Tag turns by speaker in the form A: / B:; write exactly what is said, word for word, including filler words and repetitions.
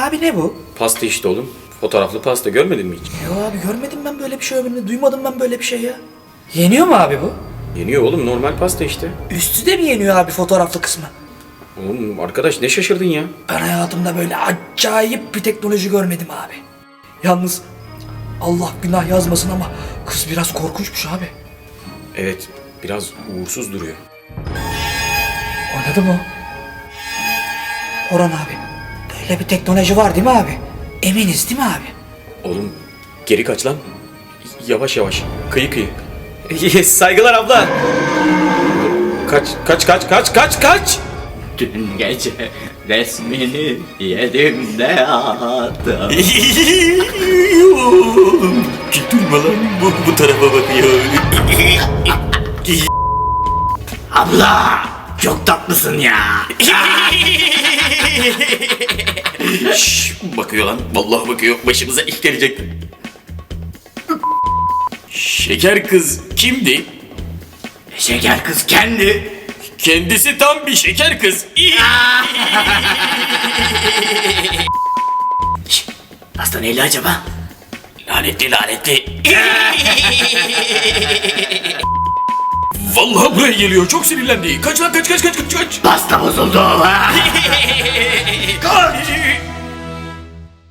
A: Abi ne bu?
B: Pasta işte oğlum. Fotoğraflı pasta görmedin mi hiç?
A: Yo abi görmedim ben böyle bir şey ömrümde. Duymadım ben böyle bir şey ya. Yeniyor mu abi bu?
B: Yeniyor oğlum, normal pasta işte.
A: Üstü de mi yeniyor abi fotoğraflı kısmı?
B: Oğlum arkadaş ne şaşırdın ya?
A: Ben hayatımda böyle acayip bir teknoloji görmedim abi. Yalnız Allah günah yazmasın ama kız biraz korkunçmuş abi.
B: Evet, biraz uğursuz duruyor.
A: Oynadı mı o? Orhan abi, böyle bir teknoloji var değil mi abi? Eminiz değil mi abi?
B: Oğlum geri kaç lan. Yavaş yavaş. Kıyı kıyı. Yes, saygılar abla. Kaç kaç kaç kaç kaç kaç.
C: Dün gece resmini yedim de yattım.
B: Oğlum durma lan, bu, bu tarafa bakıyor.
C: Abla çok tatlısın ya.
B: Şşş, bakıyor lan. Vallahi bakıyor. Başımıza iş gelecek. Şeker kız kimdi?
C: Şeker kız kendi.
B: Kendisi tam bir şeker kız.
C: Hasta neyli acaba?
B: Lanetli lanetli. Vallahi buraya geliyor. Çok sinirlendi. Kaç lan, kaç kaç kaç kaç kaç.
C: Pasta bozuldu.
B: Kaç.